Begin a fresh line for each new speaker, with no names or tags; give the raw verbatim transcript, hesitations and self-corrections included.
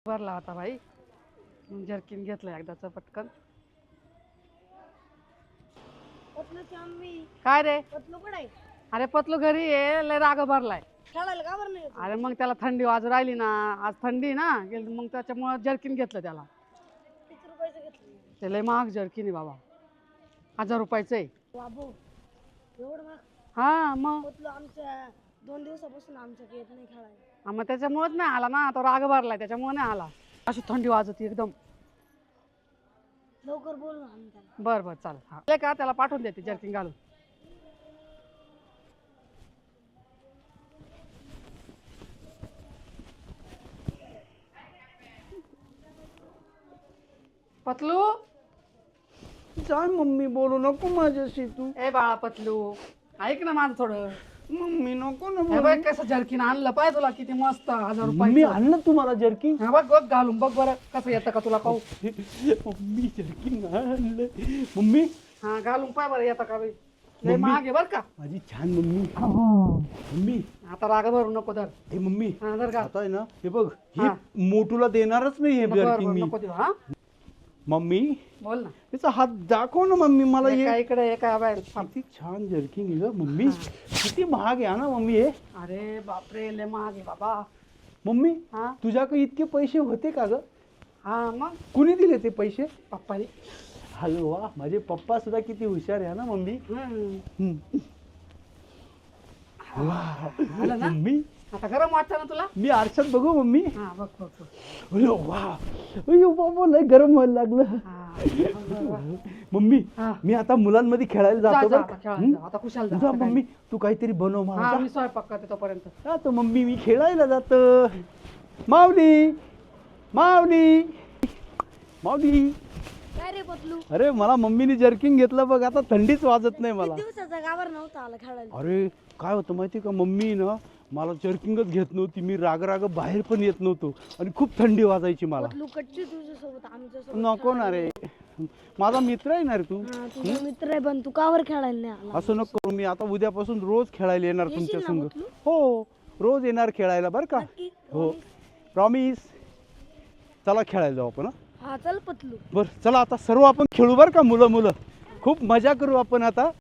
भरला होता भाई, जर्किन घेतलं एकदाच पटकन.
पतलूची मम्मी
काय रे?
पतलू कुठे आहे?
अरे पतलू घरी आहे, लय राग भरलाय.
खेळायला का बरं नाही येत?
अरे मग त्याला थंडी वाजू राहिली ना, आज थंडी ना गेली, मग त्याच्यामुळे जर्किन घेतलं त्याला.
किती रुपयाचं घेतलं?
ते लय महाग जर्किन आहे बाबा, हजार रुपयाचं आहे.
बाबू एवढं महाग?
हा मग
पतलू आमच्या दोन दिवसापासून आमच्या येत नाही खेळायला.
हा, मग त्याच्यामुळेच नाही आला ना, तो राग भरलाय त्याच्यामुळे नाही आला. अशी थंडी वाजती एकदम.
लवकर बोल ना आम्ही त्याला.
बर बर चालेल. हा ले का त्याला पाठवून देते जर्किन घालून. पतलू
जाय मम्मी, बोलू नको माझ्याशी तू.
ए बाळा पतलू, ऐक ना माझं थोडं.
मम्मी नको ना
हे
बोलू.
बघ कसं जर्किन आणलं पाहिजे तुला, किती मस्त हजार
मम्मी
रुपये.
आणलं तुम्हाला जर्किन?
हा बघ बघ घालून बघ बरं कसं येतं का तुला पाहू.
मम्मी जर्किन आणलं. मम्मी
हा घालून पाय बरं येतं का बाई. लय महाग आहे बर का.
माझी छान मम्मी. मम्मी
आता राग भरू नको धर.
हे मम्मी
हा धर का.
आता आहे ना, हे बघ हे
हा.
मोटूला देणारच नाही हे
नको
जर्किन
बरं,
मी.
नको देऊ. हा
मम्मी
बोल ना.
त्याचा हात दाखव ना मम्मी मला. हे
एका इकडे एका बाहेर.
किती छान जर्किन आहे ग मम्मी. किती महाग आहे ना मम्मी हे.
अरे बापरे लय महाग आहे बाबा.
मम्मी
हा
तुझ्याकडे इतके पैसे होते का ग?
हा मग
कुणी दिले ते पैसे?
पप्पानी.
हॅलो वा, माझे पप्पा सुद्धा किती हुशार आहे ना मम्मी.
हम्म.
हम्म. वा,
झालं ना.
मम्मी
आता गरम वाटतं ना तुला.
मी आरशात बघू मम्मी.
हा बघ बघ बघ.
अयो वा, अयो बाबा लय गरम व्हायला लागलं.
हा बघ, बघ.
मम्मी
हा.
मी आता मुलांमध्ये खेळायला
जा,
जातो
जा,
बरं
आता
का?
खेळायला
हम्म?
जा. आता खुशाल जा.
जा
आता काय
मम्मी, तू काहीतरी बनव
नाही.
मला.
हा
जा.
मी स्वयंपाक करते तोपर्यंत.
जा तर मम्मी, मी खेळायला जातो. माऊली माऊली माऊली.
काय रे पतलू?
अरे मला मम्मीने जर्किंग घेतलं बघ, आता थंडीच वाजत नाही मला.
किती दिवसाचा गावर नव्हता आला खेळायला.
अरे काय होतं माहिती का, मम्मी ना मला जर्किंगच घेत नव्हती. मी राग राग बाहेर पण येत नव्हतो आणि खूप थंडी वाजायची मला.
पतलू कच्ची तुझ्यासोबत आमच्यासोबत
नको ना रे, माझा मित्र आहे ना रे तू.
हा तुझा मित्र आहे पण तू कावर खेळायला नाही आला?
असं नको करू. मी आता उद्यापासून रोज खेळायला येणार
येशील
तुमच्या
ना
संग.
पतलू?
हो रोज येणार खेळायला बरं का.
नक्की?
हो प्रॉमिस. चला खेळायला जाऊ आपण.
हा चल पतलू.
बरं चला आता सर्व आपण खेळू बरं का, मुलं मुलं खूप मजा करू आपण आता.